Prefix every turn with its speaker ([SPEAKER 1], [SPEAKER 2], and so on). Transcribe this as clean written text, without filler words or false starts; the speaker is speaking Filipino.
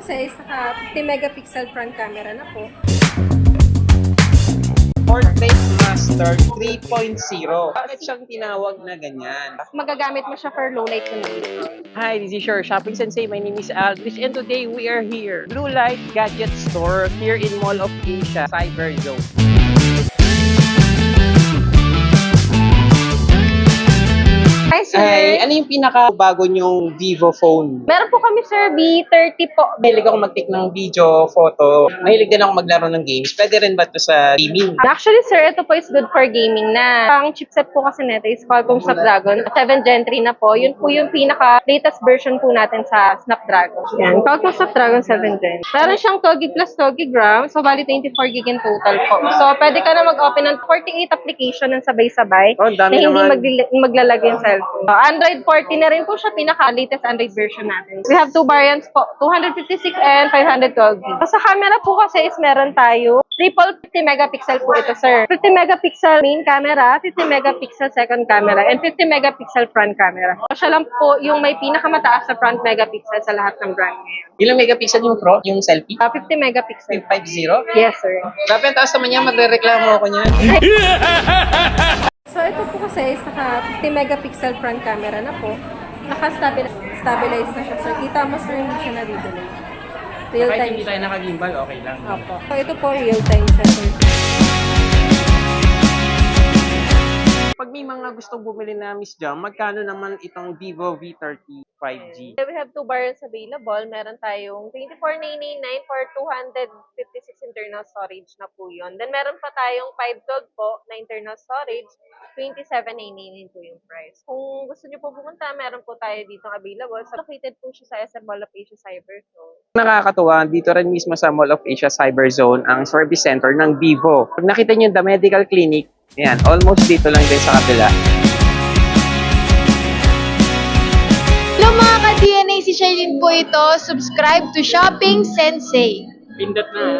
[SPEAKER 1] kasi is naka 50 megapixel front camera na po.
[SPEAKER 2] Portrait Master 3.0. Bakit siyang tinawag na ganyan?
[SPEAKER 1] Magagamit mo siya for low light condition.
[SPEAKER 2] Hi, this is your Shopping Sensei. My name is Aldrich and today we are here. Blue Light Gadget Store here in Mall of Asia, Cyber Zone.
[SPEAKER 1] Hi, sir!
[SPEAKER 2] Ay, ano yung pinaka-bago nyong Vivo phone?
[SPEAKER 1] Meron po kami, sir, B30 po.
[SPEAKER 2] Mahilig ako mag-take ng video, photo. Mahilig din ako maglaro ng games. Pwede rin ba ito sa gaming?
[SPEAKER 1] Actually, sir, ito po is good for gaming na. Ang chipset po kasi nito is Qualcomm Snapdragon 7 Gen 3 na po. Yun po yung pinaka-latest version po natin sa Snapdragon. Yan, Qualcomm Snapdragon 7 Gen. Meron siyang 2 GB plus 2 GB RAM, so bali 24 GB in total po. So, pwede ka na mag-open ng 48 application ng sabay-sabay
[SPEAKER 2] Oh, dami
[SPEAKER 1] na hindi
[SPEAKER 2] naman.
[SPEAKER 1] maglalagay yung cellphone. So, Android 14 na rin po siya, pinaka-latest Android version natin. We have two variants po, 256 and 512 GB. So, sa camera po kasi is meron tayo triple 50 megapixel po ito, sir. 50 megapixel main camera, 50 megapixel second camera, and 50 megapixel front camera. So, siya lang po yung may pinakamataas na front megapixel sa lahat ng brand ngayon.
[SPEAKER 2] Ilang megapixel yung Pro? Yung selfie?
[SPEAKER 1] 50 megapixel.
[SPEAKER 2] 50?
[SPEAKER 1] Yes, sir.
[SPEAKER 2] Grabe, ang taas naman yan. Magre-reklamo ako niyan.
[SPEAKER 1] So, ito po kasi is naka 50 megapixel front camera na po. Naka-stabilize na siya, sir. Kita mo, sir, hindi siya na-delay. Real
[SPEAKER 2] Kahit
[SPEAKER 1] time.
[SPEAKER 2] hindi tayo naka-gimbal, okay lang.
[SPEAKER 1] Opo. So, ito po, real time siya, sir.
[SPEAKER 2] Pag may mga gustong bumili na Miss Jam, magkano naman itong Vivo V30 5G?
[SPEAKER 1] We have two variants available. Meron tayong 24,999 for 256 internal storage na po yun. Then meron pa tayong 512 po na internal storage. 27,999 po yung price. Kung gusto niyo po pumunta, meron po tayo dito available. So, located po siya sa SM Mall of Asia Cyber Zone.
[SPEAKER 2] Nakakatuwa, dito rin mismo sa Mall of Asia Cyber Zone ang service center ng Vivo. Pag nakita niyo yung The Medical Clinic, ayan, almost dito lang din sa kabila.
[SPEAKER 3] Hello mga ka-DNA, si Shailene po ito. Subscribe to Shopping Sensei.
[SPEAKER 2] Pindot na.